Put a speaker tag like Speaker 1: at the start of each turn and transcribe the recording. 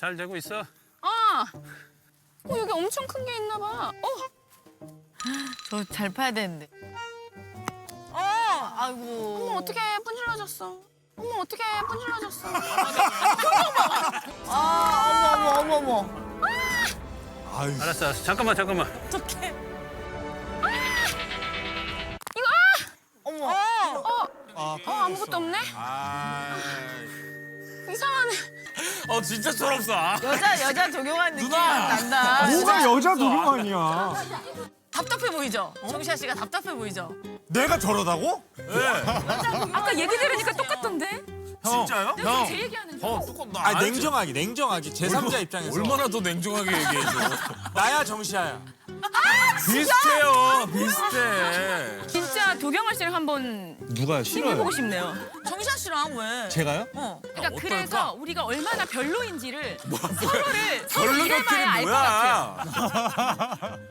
Speaker 1: 잘 되고 있어?
Speaker 2: 여기 엄청 큰 게 있나 봐.
Speaker 3: 저 잘 파야 되는데. 아이고.
Speaker 2: 어머 어떡해 분질러졌어. 어머 어떡해 분질러졌어.
Speaker 3: 어머.
Speaker 4: 아유.
Speaker 1: 알았어. 잠깐만.
Speaker 3: 어떡해.
Speaker 2: 어머. 아무것도 없네. 이상하네.
Speaker 5: 진짜 철없어.
Speaker 3: 여자 적용한 느낌이
Speaker 5: 누나!
Speaker 3: 난다.
Speaker 4: 뭐가 여자 도둑 아니야?
Speaker 3: 답답해 보이죠? 정시아 씨가 답답해 보이죠?
Speaker 4: 내가 저러다고?
Speaker 2: 아까 얘기 들으니까 똑같던데.
Speaker 5: 진짜요?
Speaker 2: 내가 제 얘기하는 줄.
Speaker 5: 똑같나?
Speaker 4: 아 냉정하게 제3자 입장에서
Speaker 5: 얼마나 더 냉정하게 얘기해줘.
Speaker 4: 나야 정시아야.
Speaker 5: 비슷해요. 비슷해.
Speaker 2: 진짜 도경아 씨랑 한번
Speaker 4: 누가
Speaker 2: 해보고 싶네요.
Speaker 3: 정시아 씨랑 왜?
Speaker 4: 제가요?
Speaker 2: 그러니까
Speaker 5: 어떨까?
Speaker 2: 그래서 우리가 얼마나 별로인지를 서로를 서로
Speaker 5: 별로
Speaker 2: 이래봐야 알 것 같아요.
Speaker 5: 같기는 뭐야?